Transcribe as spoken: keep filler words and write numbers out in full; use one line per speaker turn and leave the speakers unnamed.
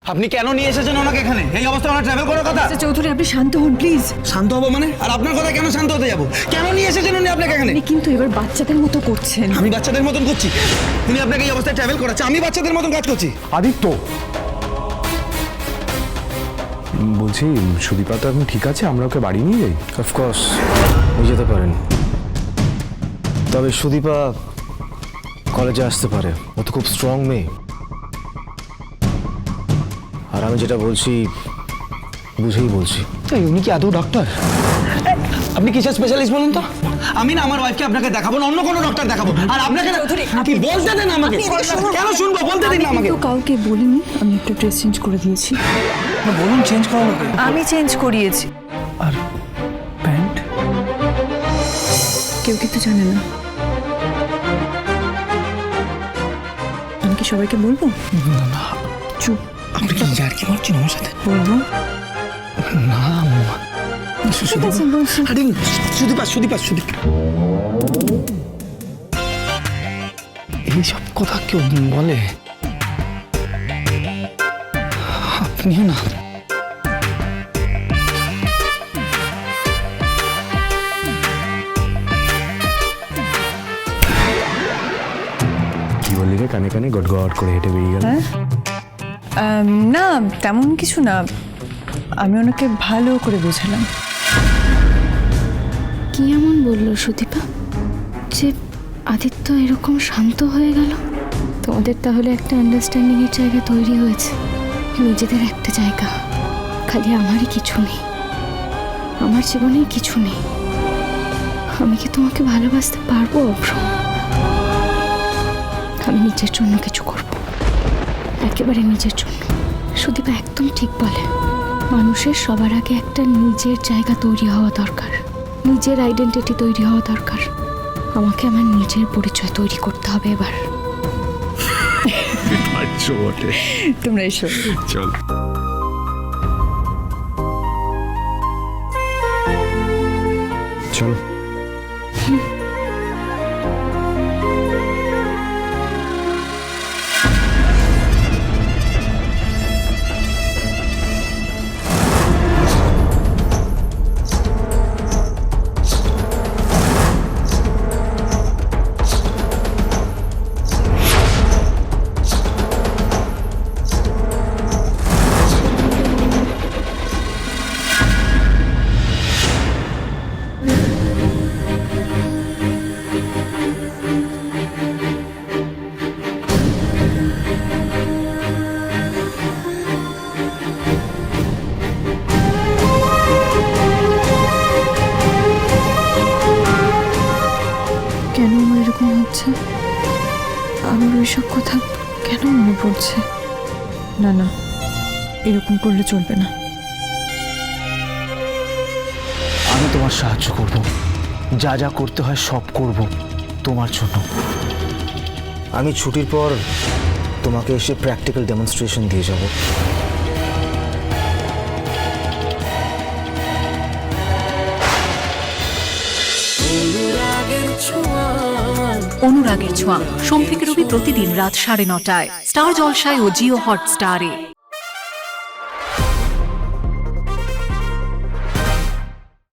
আপনি কেন নিয়ে এসেছেন ওনাকে এখানে? এই অবস্থায় ওনার ট্রাভেল করার কথা।
মিস্টার চৌধুরী আপনি শান্ত হন প্লিজ।
শান্ত হবো মানে? আর আপনার কথা কেন শান্ত হতে যাবো? কেন নিয়ে এসেছেন উনি আপনাকে এখানে?
আপনি কিন্তু এবার বাচ্চাদের মতো করছেন।
আমি বাচ্চাদের মতন করছি? উনি আপনাকে এই অবস্থায় ট্রাভেল করাচ্ছে, আমি বাচ্চাদের মতন কাজ করছি?
আদিত্য, বলছি সুদীপা তো এখন ঠিক আছে, আমরা ওকে বাড়ি নিয়ে যাই?
অফকোর্স নিয়ে যেতে পারেন, তবে সুদীপা কলেজে আসতে পারে, ও তো খুব স্ট্রং মেয়ে। আর আমি যেটা বলছি বুঝেই বলছি।
তাই উনি কি আদৌ ডক্টর? আপনি কিসের স্পেশালিস্ট বলুন তো? আমি না আমার ওয়াইফকে আপনাকে দেখাবো না, অন্য কোনো ডক্টর দেখাবো। আর আপনাকে না কি বলতে দেন আমাকে? কেন শুনবো? বলতে দিন না আমাকে।
তো কাউকে বলিনি, আমি একটা ড্রেস চেঞ্জ করে দিয়েছি।
বলুন চেঞ্জ করানো।
আমি চেঞ্জ করিয়েছি।
আর প্যান্ট?
কেউ কিন্তু জানে না। আমি কি সবাইকে বলবো? চুপ।
আপনি কি যার কি বলছেন আমার সাথে?
বলবো
না
ঠিক আছে বলছি।
আরে সুদীপা সুদীপা সুদীপা এইসব কথা কেউ বলে? আপনিও না।
কি বললি রে? কানে কানে গট গট করে হেঁটে বেরিয়ে গেল।
আম, না তেমন কিছু না, আমি ওনাকে ভালো করে বোঝালাম।
কি এমন বললো সুদীপা যে আদিত্য এরকম শান্ত হয়ে গেল? তোমাদের তাহলে একটা আন্ডারস্ট্যান্ডিং এর জায়গা তৈরি হয়েছে, নিজেদের একটা জায়গা। খালি আমারই কিছু নেই, আমার জীবনে কিছু নেই। আমি কি তোমাকে ভালোবাসতে পারবো অভ্র? আমি নিজের জন্য কিছু করব, একেবারে নিজের জন্য। সুদীপা একদম ঠিক বলে, মানুষের সবার আগে একটা নিজের জায়গা তৈরি হওয়া দরকার, নিজের আইডেন্টিটি তৈরি হওয়া দরকার। আমাকে আমার নিজের পরিচয় তৈরি করতে হবে এবার।
তোমরা এসো।
চল। চল।
কেন আমার এরকম হচ্ছে? আমার ওইসব কথা কেন মনে পড়ছে? না না, এরকম করলে চলবে না।
আমি তোমার সাহায্য করব, যা যা করতে হয় সব করব তোমার জন্য। আমি ছুটির পর তোমাকে এসে প্র্যাকটিক্যাল ডেমনস্ট্রেশন দিয়ে যাব।
অনুরাগের ছোঁয়া সোম থেকে রবি প্রতিদিন রাত সাড়ে নটায় স্টার জলসায় ও জিও হটস্টারে।